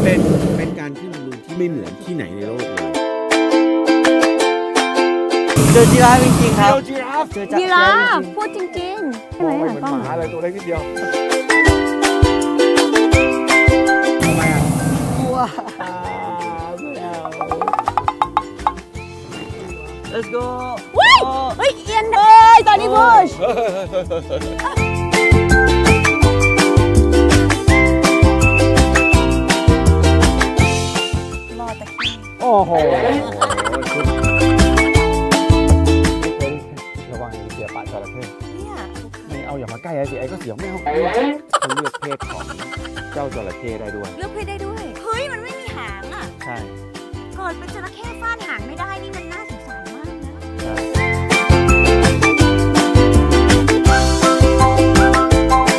เป็นการขึ้นบอลลูนที่ไม่เหมือนที่ไหนในโลกเลยเจอจีราฟจริงๆครับจีราฟเจอยีราฟพูดจริงๆใช่ไหมไม่อ่ะเหมือนกล้องหมาอะไรตัวเล็กนิดเดียวทำไมอ่ะกลัว Let's go เฮ้ยเฮ้ยเอียนเอ้ยตอนนี้พุชรอตะกี้โอ้โหระวังเสียปากจระเข้เนี่ยไม่เอาอย่ามาใกล้ไอ้สิไอ้ก็เสียวไม่เอาเขาเลือกเพศของเจ้าจระเข้ได้ด้วยเลือกเพศได้ด้วย เฮ้ย มันไม่มีหางอ่ะใช่เกิดเป็นจระเข้ฟาดหางได้